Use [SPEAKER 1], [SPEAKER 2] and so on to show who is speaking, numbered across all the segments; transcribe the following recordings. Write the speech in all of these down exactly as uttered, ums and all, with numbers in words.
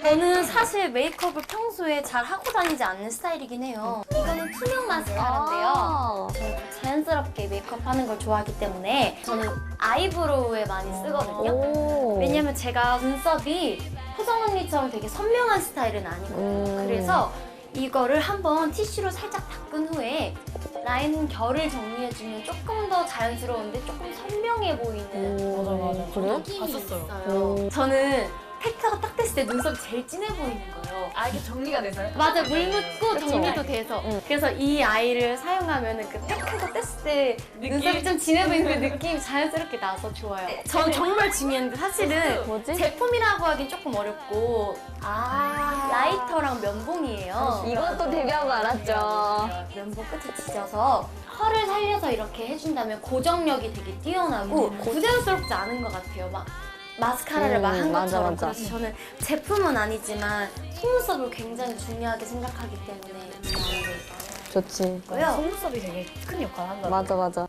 [SPEAKER 1] 저는 사실 메이크업을 평소에 잘 하고 다니지 않는 스타일이긴 해요. 이거는 투명 마스카라인데요.
[SPEAKER 2] 아
[SPEAKER 1] 저는 자연스럽게 메이크업 하는 걸 좋아하기 때문에 저는 아이브로우에 많이 쓰거든요.
[SPEAKER 2] 오.
[SPEAKER 1] 왜냐면 제가 눈썹이 효정 언니처럼 되게 선명한 스타일은 아니거든요.
[SPEAKER 2] 음.
[SPEAKER 1] 그래서 이거를 한번 티슈로 살짝 닦은 후에 라인 결을 정리해주면 조금 더 자연스러운데 조금 선명해 보이는
[SPEAKER 3] 맞아, 맞아.
[SPEAKER 2] 그래?
[SPEAKER 1] 느낌이
[SPEAKER 3] 봤었어요.
[SPEAKER 1] 있어요. 저는 팩트가 딱 됐을 때 눈썹이 제일 진해 보이는 거예요.
[SPEAKER 3] 아, 이게 정리가 돼서요?
[SPEAKER 1] 맞아, 물 묻고
[SPEAKER 2] 그쵸.
[SPEAKER 1] 정리도 돼서.
[SPEAKER 2] 응.
[SPEAKER 1] 그래서 이 아이를 사용하면 그 팩트가 뗐을 때
[SPEAKER 3] 느낌?
[SPEAKER 1] 눈썹이 좀 진해 보이는 그 느낌이 자연스럽게 나서 좋아요. 전 정말 중요한데 사실은
[SPEAKER 2] 뭐지?
[SPEAKER 1] 제품이라고 하긴 조금 어렵고
[SPEAKER 2] 아
[SPEAKER 1] 라이터랑 면봉이에요.
[SPEAKER 2] 이것도 데뷔한 거 알았죠.
[SPEAKER 1] 면봉 끝에 지져서 펄을 살려서 이렇게 해준다면 고정력이 되게 뛰어나고 부자연스럽지 않은 것 같아요. 막 마스카라를
[SPEAKER 2] 음,
[SPEAKER 1] 막 한
[SPEAKER 2] 맞아,
[SPEAKER 1] 것처럼.
[SPEAKER 2] 맞아.
[SPEAKER 1] 그래서 저는 제품은 아니지만 속눈썹을 굉장히 중요하게 생각하기 때문에
[SPEAKER 2] 좋지.
[SPEAKER 1] 고요.
[SPEAKER 3] 속눈썹이 되게 큰 역할을 한다.
[SPEAKER 2] 맞아 맞아.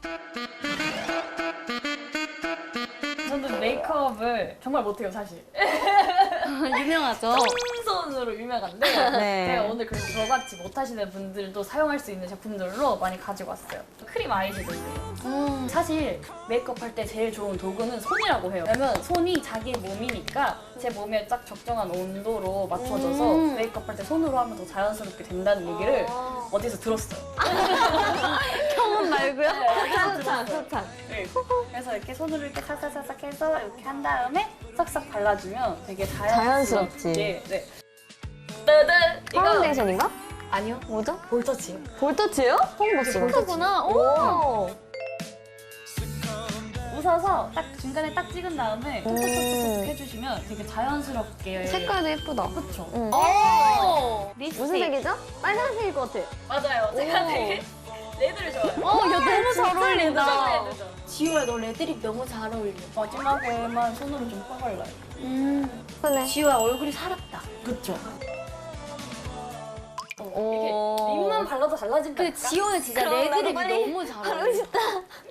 [SPEAKER 3] 저는 메이크업을 정말 못해요, 사실.
[SPEAKER 1] 유명하죠.
[SPEAKER 3] 손으로 유명한데
[SPEAKER 2] 네.
[SPEAKER 3] 제가 오늘 그래서 저같이 못하시는 분들도 사용할 수 있는 제품들로 많이 가지고 왔어요. 크림 아이섀도우예요.
[SPEAKER 1] 음.
[SPEAKER 3] 사실 메이크업 할 때 제일 좋은 도구는 손이라고 해요. 왜냐면 손이 자기 몸이니까 제 몸에 딱 적정한 온도로 맞춰져서
[SPEAKER 1] 음.
[SPEAKER 3] 메이크업 할 때 손으로 하면 더 자연스럽게 된다는 얘기를
[SPEAKER 1] 아.
[SPEAKER 3] 어디서 들었어요.
[SPEAKER 1] 경험 말고요?
[SPEAKER 2] 소찬 소찬.
[SPEAKER 3] 네. 그래서 이렇게 손으로 이렇게 살짝살짝 해서 이렇게 한 다음에 싹싹 발라주면 되게 자연스럽게.
[SPEAKER 2] 자연스럽지.
[SPEAKER 3] 네. 따단! 이거
[SPEAKER 2] 파운데이션인가?
[SPEAKER 3] 아니요.
[SPEAKER 2] 뭐죠?
[SPEAKER 3] 볼터치요.
[SPEAKER 2] 볼터치요? 처음 봤어.
[SPEAKER 1] 그거구나. 오.
[SPEAKER 2] 오.
[SPEAKER 3] 웃어서 딱 중간에 딱 찍은 다음에
[SPEAKER 2] 음.
[SPEAKER 3] 톡톡톡톡 해주시면 되게 자연스럽게.
[SPEAKER 2] 색깔도 예쁘다.
[SPEAKER 3] 그쵸?
[SPEAKER 2] 응.
[SPEAKER 1] 오.
[SPEAKER 2] 무슨 색이죠? 빨간색일 것 같아.
[SPEAKER 3] 맞아요. 제가
[SPEAKER 2] 오.
[SPEAKER 3] 되게 레드를 좋아해요.
[SPEAKER 1] 어, 야 너무 잘 어울린다.
[SPEAKER 3] 레드죠.
[SPEAKER 1] 지우야, 너 레드립 너무 잘 어울려.
[SPEAKER 3] 마지막에만 손으로 좀 퍼발라요.
[SPEAKER 1] 음.
[SPEAKER 2] 그래.
[SPEAKER 1] 지우야, 얼굴이 살았다.
[SPEAKER 3] 그쵸? 이렇게
[SPEAKER 2] 오.
[SPEAKER 3] 립만 발라도 달라진다.
[SPEAKER 1] 그 지호는 진짜
[SPEAKER 2] 그럼 나도
[SPEAKER 1] 레드립이
[SPEAKER 2] 빨리
[SPEAKER 1] 너무 잘
[SPEAKER 2] 하고
[SPEAKER 1] 어울려.
[SPEAKER 2] 싶다.